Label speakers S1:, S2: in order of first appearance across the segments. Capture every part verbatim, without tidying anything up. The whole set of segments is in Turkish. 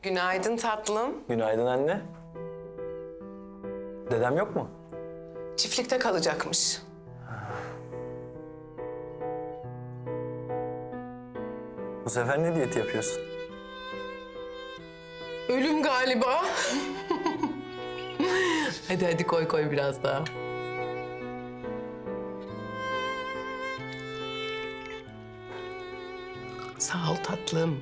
S1: Günaydın tatlım.
S2: Günaydın anne. Dedem yok mu?
S1: Çiftlikte kalacakmış.
S2: Bu sefer ne diyeti yapıyorsun?
S1: Ölüm galiba. Hadi hadi koy koy biraz daha. Sağ ol tatlım.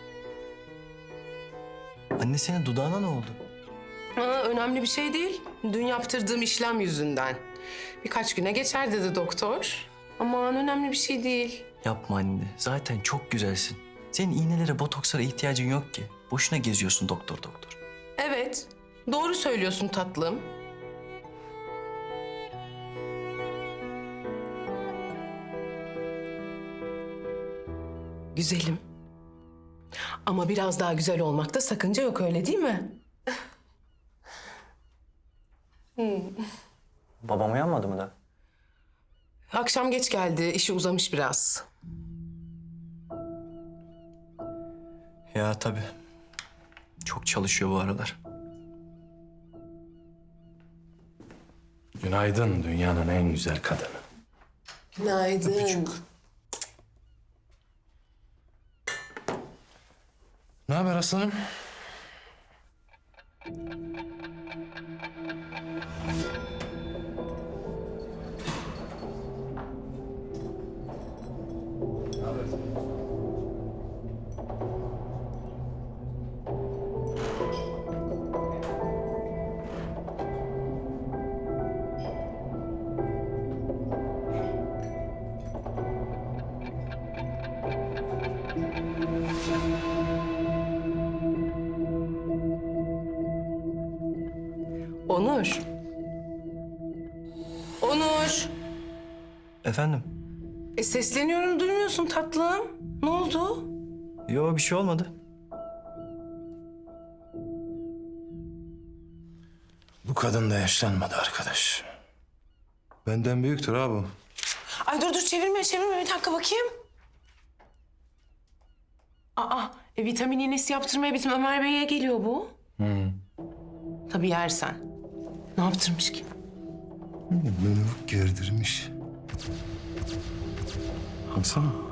S2: Anne senin dudağına ne oldu?
S1: Aa, önemli bir şey değil. Dün yaptırdığım işlem yüzünden. Birkaç güne geçer dedi doktor. Aman önemli bir şey değil.
S2: Yapma anne. Zaten çok güzelsin. Senin iğnelere, botokslara ihtiyacın yok ki. Boşuna geziyorsun doktor doktor.
S1: Evet, doğru söylüyorsun tatlım. Güzelim. Ama biraz daha güzel olmakta sakınca yok, öyle değil mi?
S2: Babam uyanmadı mı da?
S1: Akşam geç geldi, işi uzamış biraz.
S2: Ya tabii. Çok çalışıyor bu aralar.
S3: Günaydın dünyanın en güzel kadını.
S1: Günaydın.
S3: Ne haber aslanım?
S1: Onur. Onur.
S2: Efendim?
S1: E sesleniyorum, duymuyorsun tatlım. Ne oldu?
S2: Yo, bir şey olmadı.
S3: Bu kadın da yaşlanmadı arkadaş. Benden büyüktür ha bu.
S1: Ay dur dur, çevirme çevirme, bir dakika bakayım. Aa, e, vitamin iğnesi yaptırmaya bizim Ömer Bey'e geliyor bu.
S3: Hı.
S1: Tabii yersen. Ne yaptırmış ki?
S3: Beni gerdirmiş. Baksana.